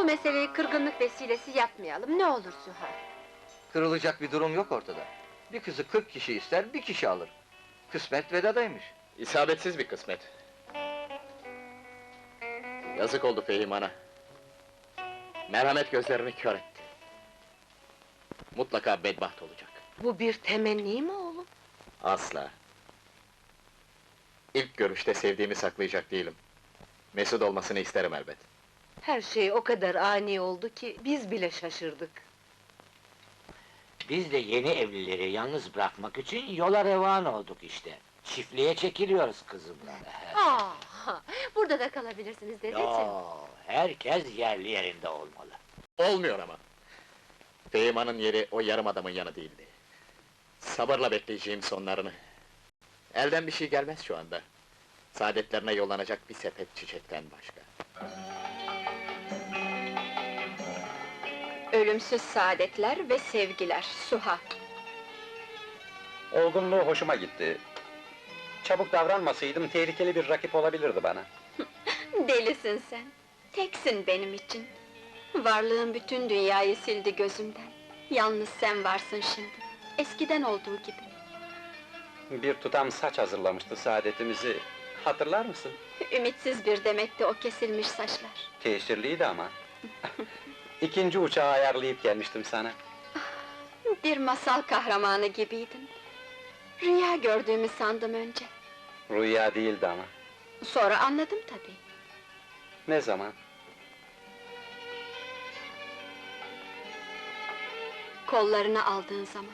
meseleyi kırgınlık vesilesi yapmayalım, ne olur Süha? Kırılacak bir durum yok ortada. Bir kızı 40 kişi ister, bir kişi alır. Kısmet Vedat'aymış. İsabetsiz bir kısmet. Yazık oldu Fehiman'a. Merhamet gözlerini kör etti. Mutlaka bedbaht olacak. Bu bir temenni mi oğlum? Asla. İlk görüşte sevdiğimi saklayacak değilim. Mesut olmasını isterim elbet. Her şey o kadar ani oldu ki, biz bile şaşırdık. Biz de yeni evlileri yalnız bırakmak için yola revan olduk işte. Çiftliğe çekiliyoruz kızımla. Burada da kalabilirsiniz dedeciğim. Yo, herkes yerli yerinde olmalı. Olmuyor ama. Fehiman'ın yeri o yarım adamın yanı değildi. Sabırla bekleyeceğim sonlarını. Elden bir şey gelmez şu anda. Saadetlerine yollanacak bir sepet çiçekten başka. Ölümsüz saadetler ve sevgiler, Suha. Olgunluğu hoşuma gitti. Çabuk davranmasaydım tehlikeli bir rakip olabilirdi bana. Delisin sen, teksin benim için. Varlığın bütün dünyayı sildi gözümden. Yalnız sen varsın şimdi, eskiden olduğu gibi. Bir tutam saç hazırlamıştı saadetimizi. Hatırlar mısın? Ümitsiz bir demekti o kesilmiş saçlar. Teşhirliydi ama. İkinci uçağı ayarlayıp gelmiştim sana. Bir masal kahramanı gibiydin. Rüya gördüğümü sandım önce. Rüya değildi ama. Sonra anladım tabii. Ne zaman? Kollarını aldığın zaman.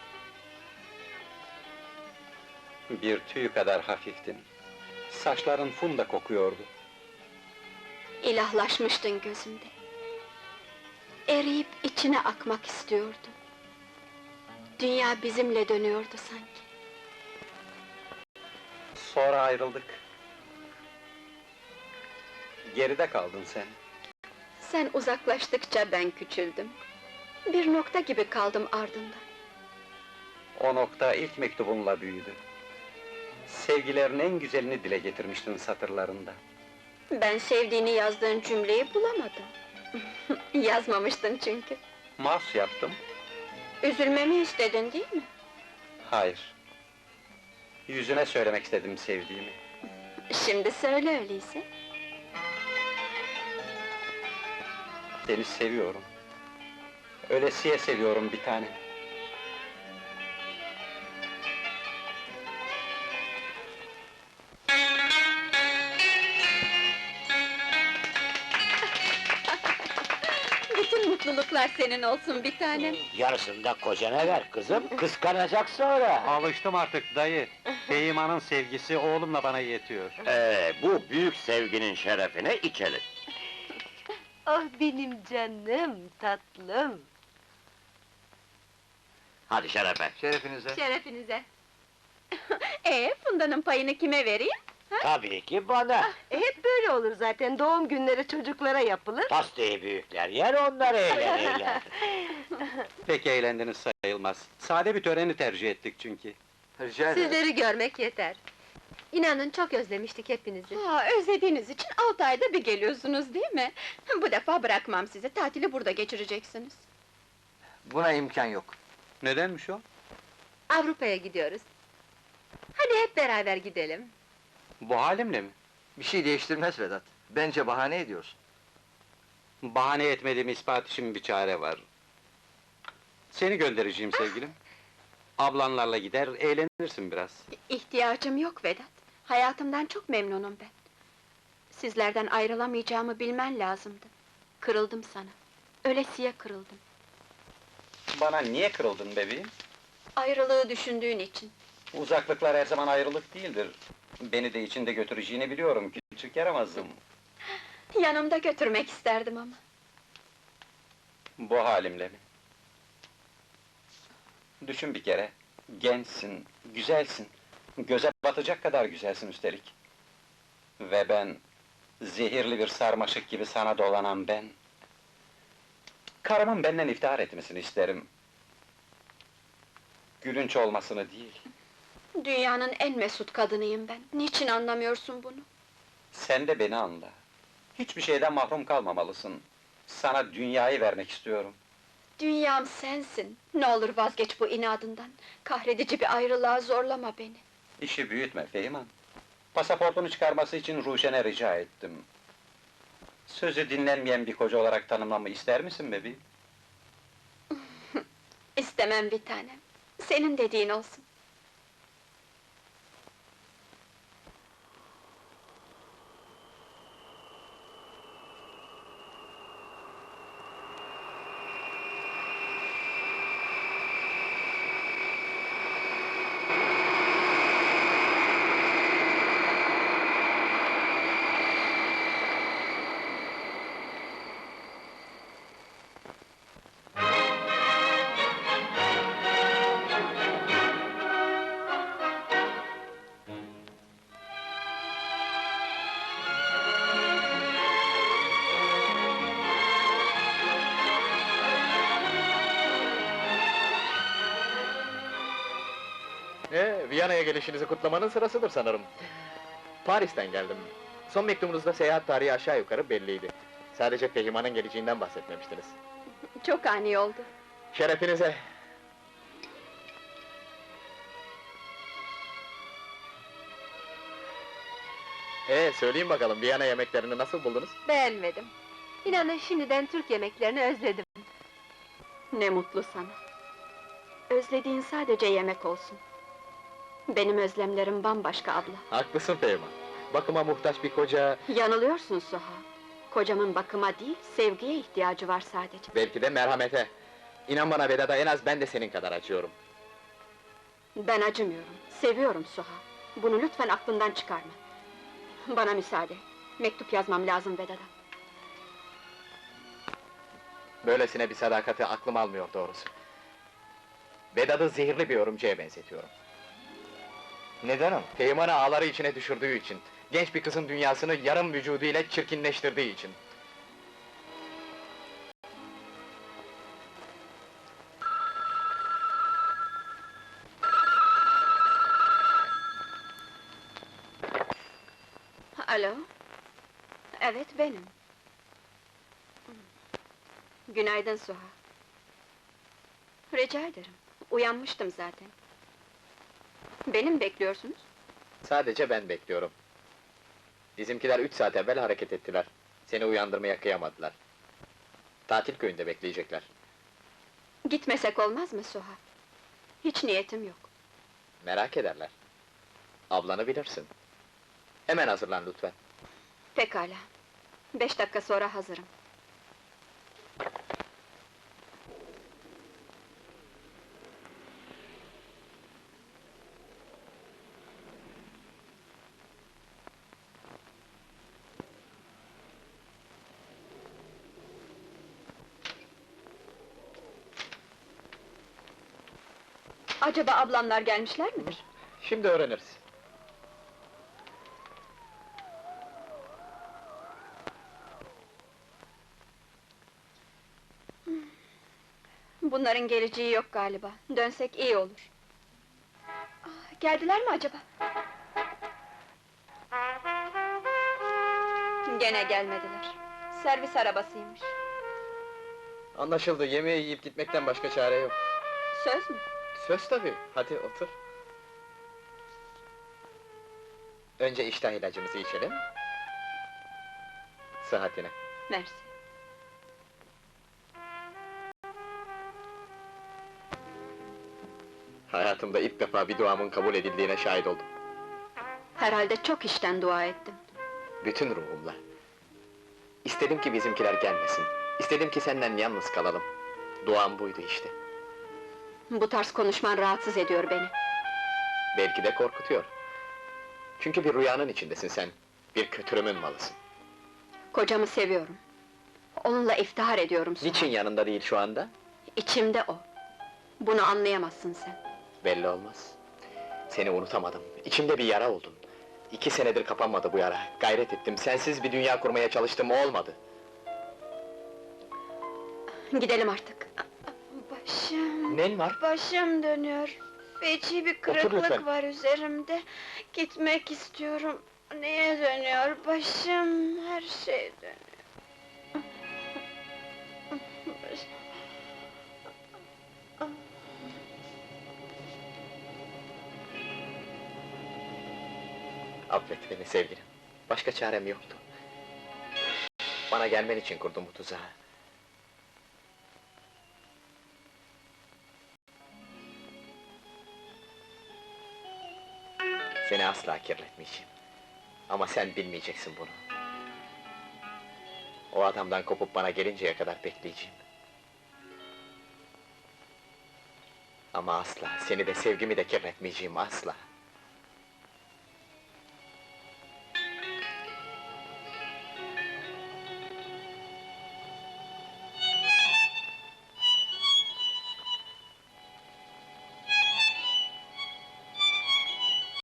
Bir tüy kadar hafiftin. Saçların funda kokuyordu. İlahlaşmıştın gözümde. Eriyip içine akmak istiyordum. Dünya bizimle dönüyordu sanki. Sonra ayrıldık. Geride kaldın sen. Sen uzaklaştıkça ben küçüldüm. Bir nokta gibi kaldım ardından. O nokta ilk mektubunla büyüdü. Sevgilerin en güzelini dile getirmiştin satırlarında. Ben sevdiğini yazdığın cümleyi bulamadım. Yazmamıştın çünkü. Mas yaptım. Üzülmemi istedin değil mi? Hayır. Yüzüne söylemek istedim sevdiğimi. Şimdi söyle öyleyse. Seni seviyorum. Ölesiye seviyorum bir tane. Bütün mutluluklar senin olsun bir tanem. Yarısını da kocana ver kızım, kıskanacak sonra. Alıştım artık dayı. Fehiman'ın sevgisi oğlumla bana yetiyor. Bu büyük sevginin şerefine içelim. Ah benim canım, tatlım. Hadi şerefe. Şerefinize. Şerefinize. Funda'nın payını kime vereyim? Tabii ki bana. Hep böyle olur zaten, doğum günleri çocuklara yapılır. Pastayı büyükler yer, onlar eğlenirler. Pek eğlendiniz sayılmaz. Sade bir töreni tercih ettik çünkü. Rica ederim. Sizleri görmek yeter. İnanın çok özlemiştik hepinizi. Özlediğiniz için 6 ayda bir geliyorsunuz değil mi? Bu defa bırakmam sizi, tatili burada geçireceksiniz. Buna imkan yok. Nedenmiş o? Avrupa'ya gidiyoruz. Hadi hep beraber gidelim. Bu halimle mi? Bir şey değiştirmez Vedat. Bence bahane ediyorsun. Bahane etmediğim ispat için bir çare var. Seni göndereceğim sevgilim. Ablanlarla gider, eğlenirsin biraz. İhtiyacım yok Vedat. Hayatımdan çok memnunum ben. Sizlerden ayrılamayacağımı bilmen lazımdı. Kırıldım sana. Ölesiye kırıldım. Bana niye kırıldın bebeğim? Ayrılığı düşündüğün için. Uzaklıklar her zaman ayrılık değildir. Beni de içinde götüreceğini biliyorum, küçük yaramazım. Yanımda götürmek isterdim ama. Bu halimle mi? Düşün bir kere, gençsin, güzelsin, göze batacak kadar güzelsin üstelik. Ve ben, zehirli bir sarmaşık gibi sana dolanan ben... Karımın benden iftihar etmesini isterim. Gülünç olmasını değil. Dünyanın en mesut kadınıyım ben. Niçin anlamıyorsun bunu? Sen de beni anla. Hiçbir şeyden mahrum kalmamalısın. Sana dünyayı vermek istiyorum. Dünyam sensin. Ne olur vazgeç bu inadından. Kahredici bir ayrılığa zorlama beni. İşi büyütme Feyman. Pasaportunu çıkarması için Ruşen'e rica ettim. Sözü dinlenmeyen bir koca olarak tanımlamı ister misin bebeğim? İstemem bir tanem. Senin dediğin olsun. Viyana'ya gelişinizi kutlamanın sırasıdır sanırım. Paris'ten geldim. Son mektubunuzda seyahat tarihi aşağı yukarı belliydi. Sadece Fehiman'ın geleceğinden bahsetmemiştiniz. Çok ani oldu. Şerefinize! Söyleyin bakalım, Viyana yemeklerini nasıl buldunuz? Beğenmedim. İnanın şimdiden Türk yemeklerini özledim. Ne mutlu sana. Özlediğin sadece yemek olsun. Benim özlemlerim bambaşka abla. Haklısın Fehima. Bakıma muhtaç bir koca... Yanılıyorsun Suha. Kocamın bakıma değil, sevgiye ihtiyacı var sadece. Belki de merhamete. İnan bana Vedat'a, en az ben de senin kadar acıyorum. Ben acımıyorum, seviyorum Suha. Bunu lütfen aklından çıkarma. Bana müsaade. Mektup yazmam lazım Vedat'a. Böylesine bir sadakati aklım almıyor doğrusu. Vedat'ı zehirli bir örümceğe benzetiyorum. Neden ama? Teğmen'i ağları içine düşürdüğü için, genç bir kızın dünyasını yarım vücuduyla çirkinleştirdiği için. Alo? Evet, benim. Günaydın Suha. Rica ederim, uyanmıştım zaten. Beni mi bekliyorsunuz? Sadece ben bekliyorum. Bizimkiler 3 saat evvel hareket ettiler. Seni uyandırmaya kıyamadılar. Tatil köyünde bekleyecekler. Gitmesek olmaz mı Suha? Hiç niyetim yok. Merak ederler. Ablanı bilirsin. Hemen hazırlan lütfen. Pekala. 5 dakika sonra hazırım. Acaba ablamlar gelmişler midir? Şimdi öğreniriz. Bunların geleceği yok galiba. Dönsek iyi olur. Geldiler mi acaba? Gene gelmediler. Servis arabasıymış. Anlaşıldı, yemeği yiyip gitmekten başka çare yok. Söz mü? Söz tabii, hadi otur. Önce iştah ilacımızı içelim. Sıhhatine. Mersi. Hayatımda ilk defa bir duamın kabul edildiğine şahit oldum. Herhalde çok işten dua ettim. Bütün ruhumla. İstedim ki bizimkiler gelmesin. İstedim ki senden yalnız kalalım. Duam buydu işte. Bu tarz konuşman rahatsız ediyor beni. Belki de korkutuyor. Çünkü bir rüyanın içindesin sen. Bir kötürümün malısın. Kocamı seviyorum. Onunla iftihar ediyorum Suha. Niçin yanında değil şu anda? İçimde o. Bunu anlayamazsın sen. Belli olmaz. Seni unutamadım. İçimde bir yara oldun. 2 senedir kapanmadı bu yara. Gayret ettim, sensiz bir dünya kurmaya çalıştım, olmadı. Gidelim artık. Başım... Nen var? Başım dönüyor. Feci bir Otur kırıklık lütfen. var üzerimde. Gitmek istiyorum. Neye dönüyor başım? Her şey dönüyor. Affet beni sevgilim. Başka çarem yoktu. Bana gelmen için kurdum bu tuzağı. Seni asla kirletmeyeceğim. Ama sen bilmeyeceksin bunu. O adamdan kopup bana gelinceye kadar bekleyeceğim. Ama asla, seni de sevgimi de kirletmeyeceğim, asla.